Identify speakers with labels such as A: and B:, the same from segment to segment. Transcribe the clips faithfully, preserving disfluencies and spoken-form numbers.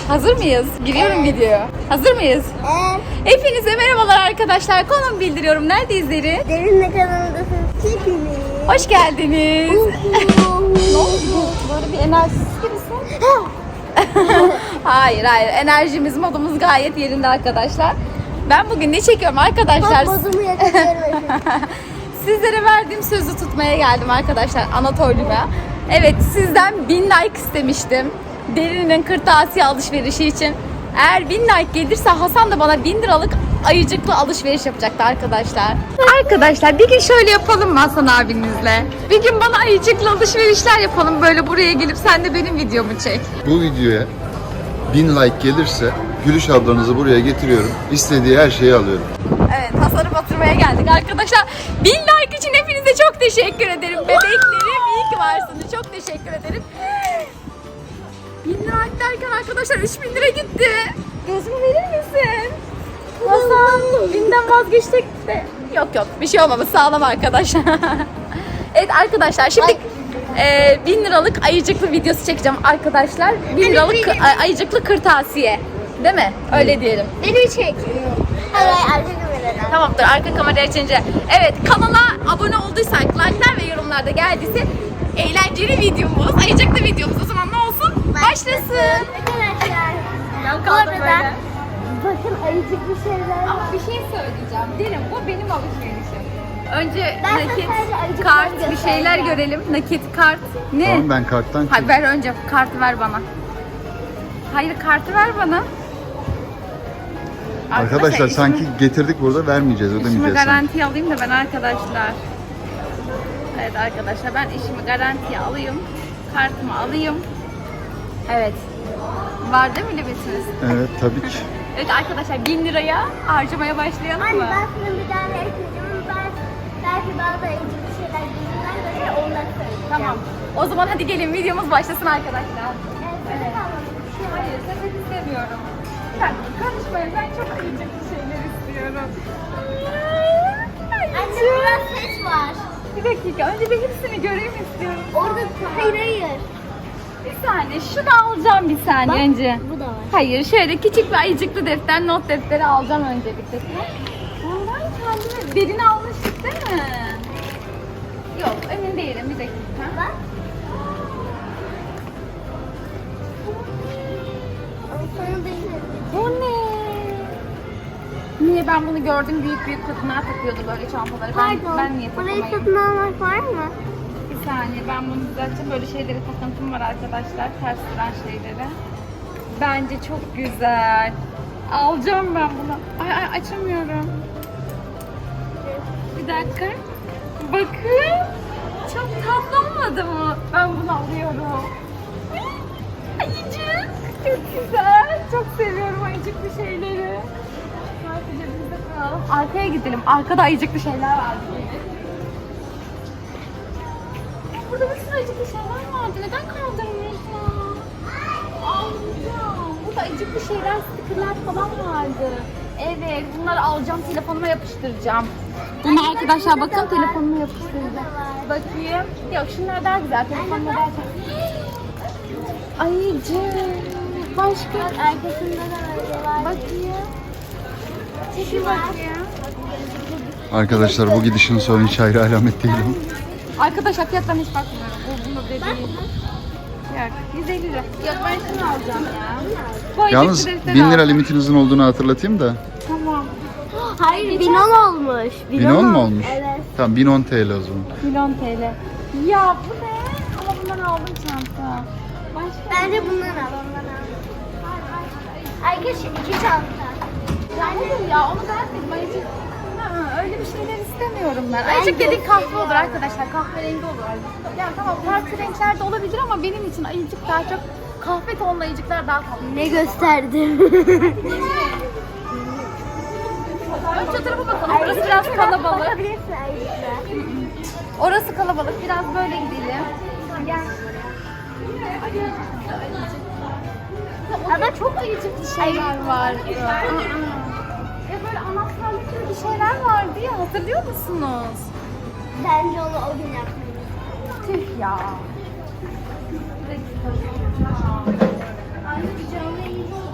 A: Hazır mıyız? Giriyorum
B: Evet.
A: videoya. Hazır mıyız?
B: Evet.
A: Hepinize merhabalar arkadaşlar. Konum bildiriyorum. Neredeyiz Derin?
B: Derinle kanalındasınız hepiniz.
A: Hoş geldiniz. Ne oldu? Böyle bir enerjisiz gibisin. Hayır hayır. Enerjimiz, modumuz gayet yerinde arkadaşlar. Ben bugün ne çekiyorum arkadaşlar?
B: Bak bozumu yakalıyorum.
A: Sizlere verdiğim sözü tutmaya geldim arkadaşlar Anatolia'ya. Evet, sizden bin like istemiştim. Derin'in kırtasiye alışverişi için. Eğer bin like gelirse Hasan da bana bin liralık ayıcıklı alışveriş yapacaktı arkadaşlar. Arkadaşlar bir gün şöyle yapalım mı Hasan abinizle? Bir gün bana ayıcıklı alışverişler yapalım. Böyle buraya gelip sen de benim videomu çek.
C: Bu videoya bin like gelirse Gülüş ablanızı buraya getiriyorum. İstediği her şeyi alıyorum.
A: Evet, Hasan'ı batırmaya geldik arkadaşlar. Bin like için hepinize çok teşekkür ederim. Bebeklerim iyi ki varsınız. Çok teşekkür ederim. Bin lira derken arkadaşlar üç bin lira gitti. Gözümü verir misin? Hasan binden vazgeçtik de. Yok yok bir şey olmamış, sağlam arkadaşlar. Evet arkadaşlar şimdi e, bin liralık ayıcıklı videosu çekeceğim arkadaşlar. Bin liralık kı- ayıcıklı kırtasiye. Değil mi? Öyle diyelim.
B: Beni çek. Hayır arka kameradan.
A: Tamamdır, arka kamera açınca. Evet, kanala abone olduysak, like'lar ve yorumlarda geldiyse eğlenceli videomuz, ayıcıklı videomuz o zaman ne olsun? Başlasın.
B: Arkadaşlar.
A: Ben
B: Bu arada bakın ayıcık bir şeyler.
A: Ama bir şey söyleyeceğim. Derim bu benim alışverişim. Önce
B: Ben sana
A: nakit,
B: sadece ayıcıkları
A: kart bir
B: göstereceğim.
A: şeyler görelim. Nakit, kart. Ne?
C: Tamam, ben karttan
A: Hayır, ver önce kartı ver bana. Hayır, kartı ver bana.
C: Arkadaşlar
A: işimi-
C: sanki getirdik burada, vermeyeceğiz,
A: İşimi
C: ödemeyeceğiz sanki.
A: garantiye alayım da ben arkadaşlar. Evet arkadaşlar, ben işimi garantiye alayım. Kartımı alayım. Evet. Var değil mi limitiniz?
C: Evet, tabii ki.
A: Evet arkadaşlar, bin liraya harcamaya başlayalım
B: Anne
A: mı?
B: ben sana bir tane ekledim. Ben belki bazı ayıcık bir şeyler gözümden böyle onları söyleyeceğim.
A: Tamam. O zaman hadi gelin videomuz başlasın arkadaşlar.
B: Evet.
A: Hayır, sepet istemiyorum. Sen karışmayın, ben çok ayıcık bir şeyler istiyorum.
B: Anne burada ses var.
A: Bir dakika, önce bir hepsini göreyim istiyorum.
B: Orada hayır hayır.
A: Bir saniye, şunu alacağım bir saniye önce.
B: Bu da var.
A: Hayır, şöyle küçük bir ayıcıklı defter, not defteri alacağım öncelikle. Bundan kendime derin almıştık değil mi? Yok, emin değilim, bir dakika.
B: Bak. Sana da
A: Bu ne? Niye ben bunu gördüm, büyük büyük kadınlar takıyordu böyle çantaları. Ben,
B: Pardon.
A: ben niye
B: Burayı
A: takamayayım?
B: satın almak var mı?
A: Bir saniye, ben bunu düzelteceğim. Böyle şeylere takıntım var arkadaşlar, ters duran şeylere. Bence çok güzel. Alacağım ben bunu. Ay ay açamıyorum. Bir dakika. Bakın. Çok tatlı olmadı mı? Ben bunu alıyorum. Ayıcık. Çok güzel. Çok seviyorum ayıcıklı şeyleri. Sadece bizde kalalım. Arkaya gidelim. Arkada ayıcıklı şeyler var. Burada bir sürü ayıcıklı şeyler vardı. Neden kaldırmıyorsun? Alacağım. Burada ayıcıklı şeyler, stickerler falan vardı. Evet, bunları alacağım, telefonuma yapıştıracağım. Bunu arkadaşlar bakın, telefonuma yapıştıracağım. Bakayım. Yok, şunlar daha güzel. Telefonuma daha çok. Ayıcık. Başka.
B: Bak arkasında da böyle var.
A: Bakayım. Çekil bakayım.
C: Arkadaşlar bu gidişin sonu hiç hayra alamet değil.
A: Arkadaşlar fiyatlarına hiç bakmıyorum. Bu bunu dediği. Yok, yüz elli lira. Yok, ben şunu alacağım ya. Bu ayıcıklı
C: Yalnız
A: defteri
C: bin lira
A: alacağım.
C: limitinizin olduğunu hatırlatayım da.
A: Tamam.
B: Hayır bin on olmuş.
C: bin on mu olmuş?
B: Evet.
C: Tamam, bin on T L o zaman.
A: Milyon T L. Ya bu ne? Ama bundan aldım çanta. Başka
B: Bence bundan al. Ondan al. Arkadaşlar iki çanta.
A: Hayır ya, onu beğenmedim. Ayıcık. Ha, öyle bir şeyler istemiyorum ben.
B: Ben
A: Ayıcık dediğin
B: gösteriyorum.
A: kahve olur arkadaşlar. Kahverengi olur. Ya tamam, farklı renklerde olabilir ama benim için ayıcık daha çok kahve tonlu ayıcıklar daha tatlı.
B: Ne gösterdim?
A: Önce tarafa bakalım. Burası biraz kalabalık.
B: Bakabilirsin ayıcıkla.
A: Orası kalabalık. Biraz böyle gidelim. Gel. Ama çok ayıcıklı şeyler vardı. Ya böyle anahtarlık gibi bir şeyler vardı ya, hatırlıyor musunuz?
B: Bence onu o gün yapmalıyız.
A: Tüh ya.
B: Anne bir canlı yayın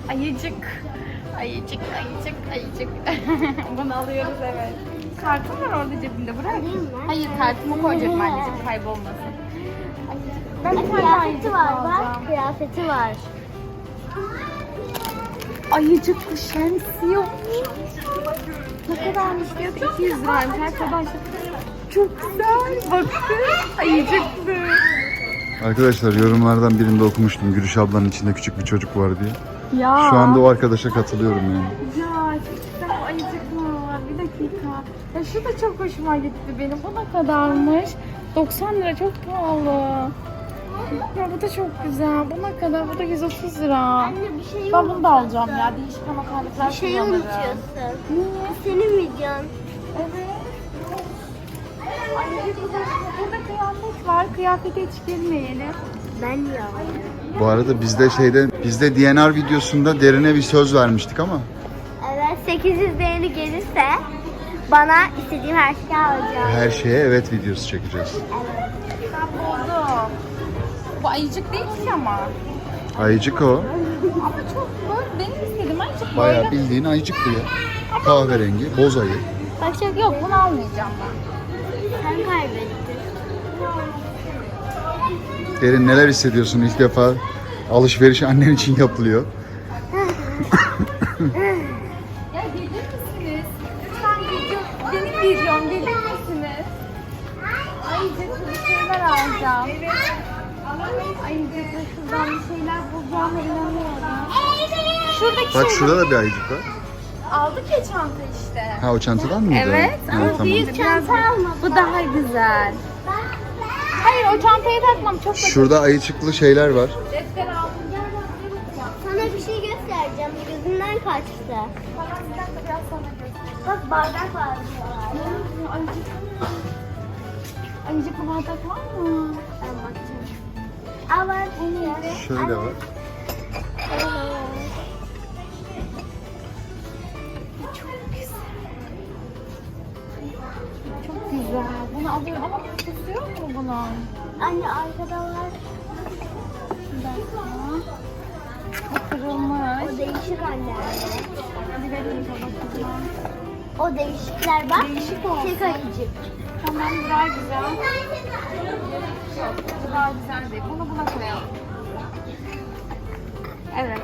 A: Ayıcık. Ayıcık, ayıcık, ayıcık. Bunu alıyoruz evet. Kartım var orada cebimde. Bırak.
B: Alayım mı?
A: Hayır kartımı koyacağım anneciğim kaybolmasın. Ayıcık. Ben bir tane
B: Kıyafeti
A: ayıcık
B: var
A: alacağım.
B: bak. Kıyafeti var.
A: Ayıcıklı şemsiye. Ne kadarmış diyor? iki yüz liraymış arkadaşlar. Çok güzel. Bakın. Ayıcıklı.
C: Arkadaşlar yorumlardan birinde okumuştum. Gülüş ablanın içinde küçük bir çocuk var diye.
A: Ya.
C: Şu anda o arkadaşa katılıyorum yani.
A: Ya çok ayıcık var. Bir dakika. Ya şu da çok hoşuma gitti benim. Bu ne kadarmış? doksan lira çok pahalı. Ya bu da çok güzel. Bu ne kadar? Bu da yüz otuz lira.
B: Anne bir şey
A: Ben bunu da alacağım ya. Değişik ama kalıplar
B: Bir şeyi
A: kullanırım.
B: unutuyorsun.
A: Niye?
B: Senin videon.
A: Evet. Ay, burada kıyafet var. Kıyafete hiç girmeyelim.
B: Ben ya.
C: Bu arada bizde şeyde bizde D N R videosunda Derine bir söz vermiştik ama
B: Evet sekiz yüz beğeni gelirse bana istediğim her şeyi alacağım.
C: her şeye evet videosu çekeceğiz.
A: Ben buldum. Bu ayıcık değil ki ama.
C: Ayıcık o.
A: Ama çok böyle benim istediğim ayıcık
C: Bayağı
A: böyle.
C: bildiğin ayıcık bu ya. Kahverengi, boz ayı.
A: Başka yok bunu almayacağım ben.
B: Sen kaybettin.
C: Derin neler hissediyorsun ilk defa alışveriş annen için yapılıyor.
A: Ya gelir misiniz? Lütfen video, benim videom gelir misiniz? Ayıcıklı bir şeyler alacağım. Ayıcıklı şuradan bir şeyler bulacağıma inanıyorum. Şuradaki
C: Bak
A: şey
C: şurada da bir ayıcık var.
A: aldık ya çanta işte.
C: Ha o çantadan mıydı?
A: Evet ama
C: Evet, tamam.
A: büyük çanta almadım. Bu daha güzel. Hayır o çantayı takmam çok basit.
C: Şurada ayıcıklı şeyler var.
A: Defter aldım.
B: Sana bir şey göstereceğim. Gözümden kaçtı.
A: Bana bir dakika biraz sonra göstereyim.
B: Bak bardak var.
A: Ayıcık. Ayıcıklı bardak var mı?
B: Ben bakacağım. Aa var.
C: Şöyle var.
A: Çok güzel. Bunu alıyorum ama kutusu yok mu bunun?
B: Anne arkada var.
A: Bir dakika. Bu kırılmış.
B: O değişik anne.
A: Hadi verelim bakalım.
B: O değişikler bak.
A: Değişik olsun.
B: Tek ayıcık.
A: Tamam bu daha güzel. Yok bu daha güzel değil. Bunu buna koyalım. Evet.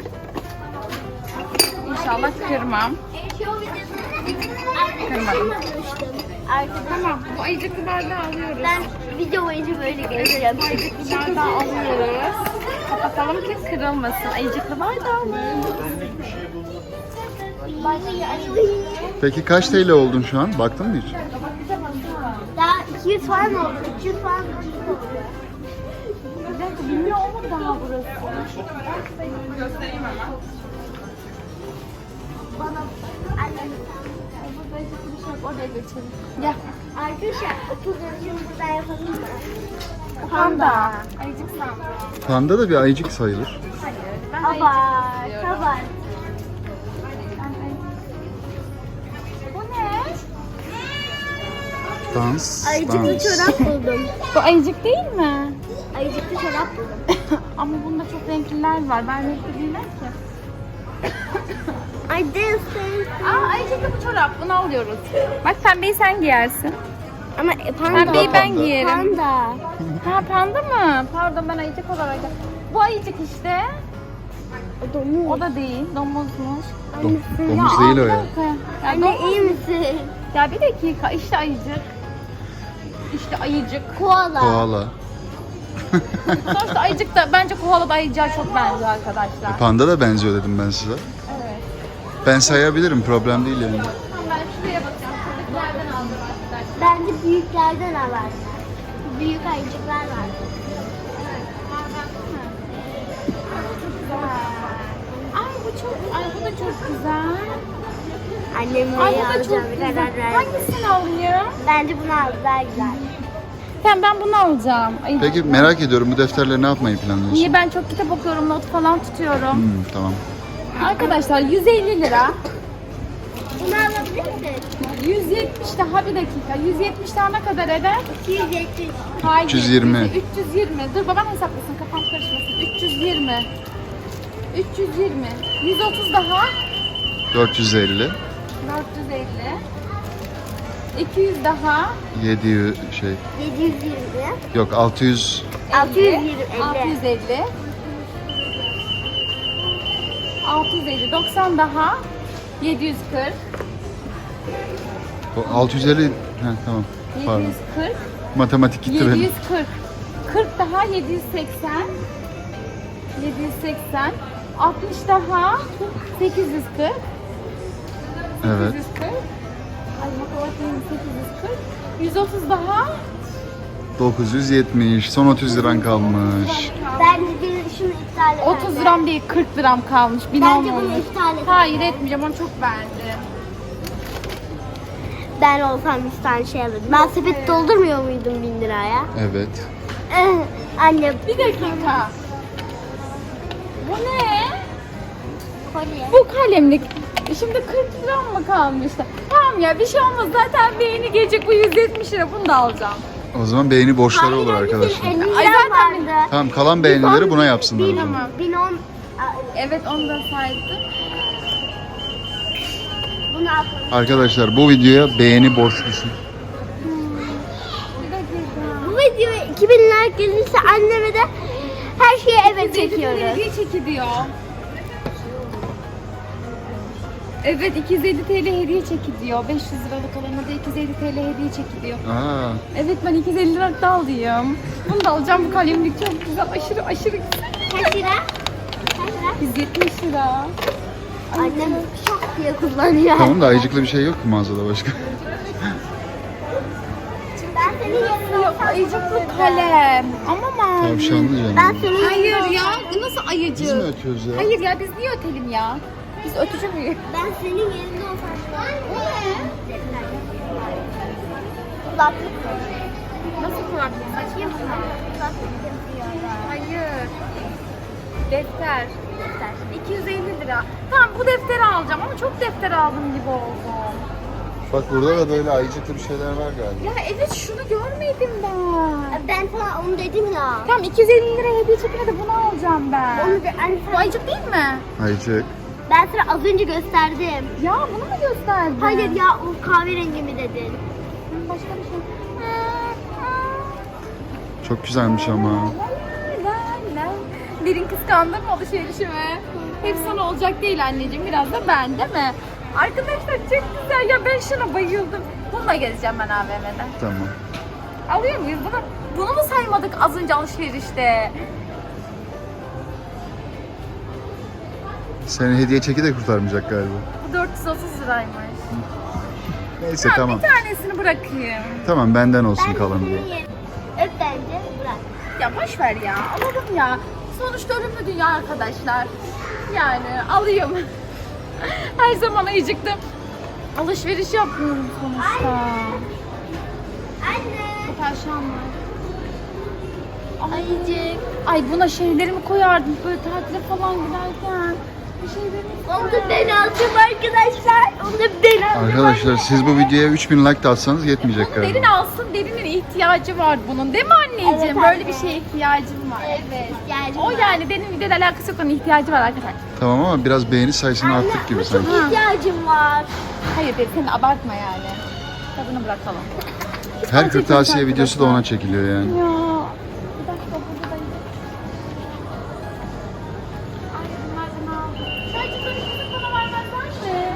A: İnşallah kırmam. Kırmadım.
B: Arkada
A: Tamam bu ayıcıklı bardağı alıyoruz.
B: ben video boyunca böyle gezeceğim.
A: Ayıcıklı bardağı alıyoruz. Kapatalım ki kırılmasın. Ayıcıklı bardağı mı?
C: Peki kaç T L oldun şu an? Baktın mı hiç?
B: Daha iki yüz falan oldu. üç yüz falan oldu.
A: Bir dakika bilmiyor mu daha burası? Göstereyim hemen.
B: Bana anne.
A: Burada ayıcıklı bir şey yok. Oraya geçelim. Gel.
B: Arkadaşlar otuz yaşını burada yapalım mı?
A: Panda. Ayıcık sandım.
C: Panda da bir ayıcık sayılır.
A: Hayır. Ben ayıcık
B: Abart,
A: istiyorum.
B: abart.
A: Bu ne?
C: Dans,
B: Ayıcıklı
C: dans.
B: çorap buldum.
A: Bu ayıcık değil mi?
B: Ayıcıklı çorap buldum.
A: Ama bunda çok renkliler var. Ben renkli giymem ki.
B: Ay dance dance.
A: Aa ayıcıklı bu çorap. Bunu alıyoruz. Bak pembeyi sen giyersin.
B: Ama e, panda.
A: Pembeyi ben
C: Panda.
A: giyerim.
B: Panda.
A: Ha panda mı? Pardon ben ayıcık olarak. Bu ayıcık işte.
B: O domuz.
A: O da değil. Domuzmuş.
C: Dom-
B: Annesi.
C: domuz
A: Ya,
C: değil o
A: bir
C: ya.
A: dakika. Ya,
B: Anne
A: domuz-
B: iyi misin?
A: Ya bir dakika. İşte ayıcık. İşte ayıcık.
B: Koala.
C: Koala.
A: Sonuçta ayıcık da bence koala da ayıcığa çok benziyor arkadaşlar.
C: Panda da benziyor dedim ben size.
A: Evet.
C: Ben sayabilirim, problem değil yani.
A: Tamam ben şuraya bakacağım. Şuradakilerden aldım arkadaşlar.
B: Bence büyüklerden alar. Büyük ayıcıklar var.
A: Ay bu çok, ay bu da çok güzel.
B: Annem
A: Ay
B: neyi
A: bu da
B: alacağım
A: çok
B: bir
A: güzel.
B: karar verdi.
A: Hangisini alayım?
B: Bence bunu al daha güzel.
A: Tamam ben bunu alacağım. Ay,
C: Peki merak ediyorum bu defterle ne yapmayı planlıyorsun?
A: Niye ben çok kitap okuyorum, not falan tutuyorum.
C: Hmm, tamam.
A: Arkadaşlar yüz elli lira.
B: Bunu alabilir misin?
A: yüz yetmiş daha bir dakika. yüz yetmiş daha ne kadar eder?
B: iki yüz yetmiş.
A: Hayır.
C: üç yüz yirmi.
A: üç yüz yirmi. Dur babam hesaplasın kafam karışmasın. üç yüz yirmi. üç yüz yirmi. yüz otuz daha.
C: dört yüz elli.
A: dört yüz elli. iki yüz daha.
C: yedi yüz şey.
B: yedi yüz yirmi.
C: Yok altı yüz.
B: altı yüz yirmi.
A: altı yüz elli. altı yüz elli. doksan daha. yedi yüz kırk.
C: O altı yüz elli. Ha, tamam. Pardon.
A: yedi yüz kırk.
C: Matematik gitti
A: yedi
C: benim.
A: yüz kırk. kırk daha yedi yüz seksen. yedi yüz seksen. altmış daha sekiz yüz kırk.
C: Evet.
A: sekiz yüz kırk. Ay matematiğim sekiz yüz kırk. yüz otuz daha.
C: dokuz yüz yetmiş. Son otuz liran kalmış.
B: Bence bir şunu iptal et.
A: otuz liram değil kırk liram kalmış. bin
B: Bence
A: olmamış.
B: bunu iptal et.
A: Hayır etmeyeceğim onu çok beğendim.
B: Ben olsam bir tane şey alırdım. Ben sepet doldurmuyor muydum bin liraya?
C: Evet.
B: Eh, Anne.
A: Bir dakika. Bu ne?
B: Kolye.
A: Bu kalemlik. Şimdi kırk liram mı kalmıştı? Tamam ya bir şey olmaz zaten beğeni gelecek bu yüz yetmiş lira bunu da alacağım.
C: O zaman beğeni borçları
B: Hayır,
C: olur
B: anne,
C: arkadaşlar.
B: senin elli
A: Ay,
B: liran
A: zaten
B: vardı.
C: Tamam kalan beğenileri buna yapsınlar o
B: Bin,
C: zaman.
B: bin on.
A: Evet onu da saydım.
B: Bunu atalım.
C: Arkadaşlar bu videoya beğeni borçlusun.
A: Bir dakika.
B: Bu videoya iki bin like gelirse anneme de her şeye evet çekiyoruz.
A: Hediye çekiliyor. Evet iki yüz elli T L hediye çekiliyor. beş yüz liralık olana da iki yüz elli T L hediye çekiliyor.
C: Aa,
A: Evet ben iki yüz elli liralık da alayım. Bunu da alacağım bu kalemlik çok güzel aşırı aşırı güzel.
B: Kaç lira? Kaç lira?
A: yüz yetmiş lira.
B: Annem şak diye kullanıyor.
C: tamam da ayıcıklı bir şey yok ki mağazada başka.
B: Ben senin yerine
A: Yok
B: olsam
A: ayıcıklı kalem. Ama mavi.
C: Tavşanlı canım.
B: Ben senin yerine
A: Hayır
B: olsam-
A: ya nasıl ayıcık?
C: Biz mi ötüyoruz ya?
A: Hayır ya biz niye ötelim ya? Biz ötücü müyüz?
B: Ben senin yerinde olsam. Bu ne? Kulaklık.
A: Nasıl kulaklık?
B: Açayım mı? Kulaklık yapıyor.
A: Hayır. Defter.
B: Defter.
A: iki yüz elli lira. Tamam bu defteri alacağım ama çok defter aldım gibi oldu.
C: Bak burada da böyle ayıcıklı bir şeyler var galiba.
A: Ya evet şunu görmedim ben.
B: Ben sana onu dedim ya.
A: Tamam iki yüz elli lira hediye çekine de bunu alacağım ben.
B: Onu de, hani
A: Bu
B: sana,
A: ayıcık değil mi?
C: Ayıcık.
B: ben sana az önce gösterdim.
A: Ya bunu mu gösterdin?
B: Hayır ya o kahverengi mi dedin?
A: Başka bir şey.
C: Çok güzelmiş ama.
A: Derin kıskandın mı alışverişimi? Hep sana olacak değil anneciğim. Biraz da ben değil mi? Arkadaşlar çok güzel ya ben şuna bayıldım. Bununla gezeceğim ben A V M'de.
C: Tamam.
A: Alıyor muyuz bunu? Bunu mu saymadık az önce alışverişte?
C: Seni hediye çeki de kurtarmayacak galiba.
A: Bu dört yüz otuz liraymış.
C: Neyse
A: Ya
C: tamam.
A: bir tanesini bırakayım.
C: Tamam benden olsun
B: Ben
C: kalanı.
B: senin yerine. Öp bence bırak.
A: Ya boş ver ya. Alalım ya. Sonuçta ölümlü dünya arkadaşlar. Yani alayım. Her zaman ayıcıktım. Alışveriş yapmıyorum sonuçta.
B: Anne.
A: Bu perşembe. Ayıcık. Ay buna şeylerimi koyardım böyle tatile falan giderken. Bir şeylerimi
B: Onu da ben alacağım arkadaşlar. Onu da ben alacağım.
C: Arkadaşlar siz bu videoya üç bin like de atsanız yetmeyecek
A: Bunu derin
C: galiba.
A: alsın. Derinin ihtiyacı var bunun. Değil mi anneciğim?
B: Evet
A: Böyle
B: anne.
A: bir şeye ihtiyacım var.
B: Evet. Yani
A: O yani derin videoyla alakası yok. Onun ihtiyacı var arkadaşlar.
C: Tamam ama biraz beğeni sayısını
B: Anne,
C: arttık gibi
B: ama
C: sanki.
B: çok ihtiyacım var.
A: Hayır derin sen abartma yani. Tadını bırakalım.
C: Her kırtasiye videosu da ona çekiliyor yani.
A: Ya. Bir dakika burada da Ay bunlar bunu aldım. Sadece böyle bizim bana vermezler mi?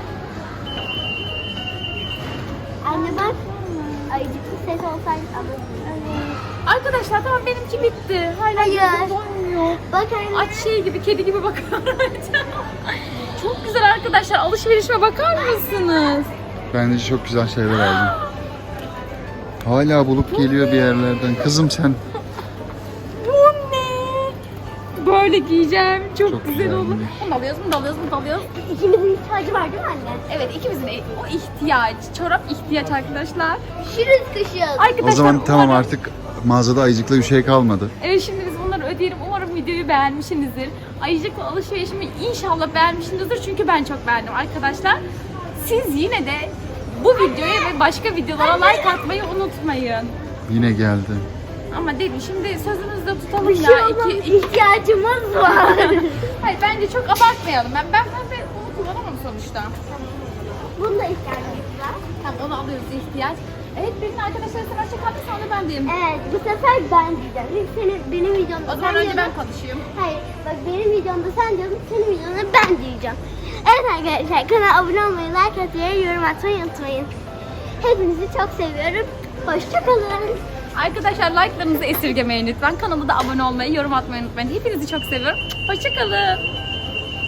B: Anne bak. Ayıcıklı ses olsaydı alırdım.
A: Arkadaşlar tamam benimki bitti. Hala
B: Hayır.
A: gözüm doymuyor.
B: Bak anne.
A: Aç şey gibi kedi gibi bakıyorum. Çok güzel arkadaşlar alışverişime bakar mısınız?
C: Bence çok güzel şeyler aldım. Hala bulup geliyor bir yerlerden. Kızım sen.
A: Bu ne? Böyle giyeceğim. Çok,
C: Çok
A: güzel olur.
C: güzelmiş.
A: Bunu da alıyoruz, bunu da alıyoruz, bunu da alıyoruz.
B: İkimizin ihtiyacı var değil mi anne?
A: Evet ikimizin o ihtiyaç. Çorap ihtiyaç arkadaşlar.
B: Şiriz kışın.
A: Arkadaşlar
C: O zaman tamam
A: umarım-
C: artık mağazada ayıcıklı bir şey kalmadı.
A: Evet şimdi biz bunları ödeyelim. Umarım videoyu beğenmişsinizdir. Ayıcıklı alışverişimi inşallah beğenmişsinizdir. Çünkü ben çok beğendim arkadaşlar. Siz yine de bu videoya ve başka videolara like atmayı unutmayın.
C: Yine geldi.
A: Ama dedi şimdi sözümüzde tutalım
B: Bir
A: ya.
B: şey olmaz,
A: İki, iki...
B: ihtiyacımız var.
A: Hayır bence çok abartmayalım. Ben ben pembe bunu kullanamam sonuçta.
B: Bunda ihtiyacımız var.
A: Tamam onu alıyoruz ihtiyaç. Evet benim arkadaşlar sen hoşça kaldın sonra ben diyeyim.
B: Evet, bu sefer ben diyeceğim. Senin, benim videomda
A: O zaman
B: sen
A: önce ben
B: diyordun.
A: konuşayım.
B: Hayır, bak benim videomda sen diyordun, senin videonda ben diyeceğim. Evet arkadaşlar, kanala abone olmayı, like atmayı, yorum atmayı unutmayın. Hepinizi çok seviyorum. Hoşçakalın.
A: Arkadaşlar like'larınızı esirgemeyin lütfen. Kanalıma da abone olmayı, yorum atmayı unutmayın. Hepinizi çok seviyorum. Hoşça kalın.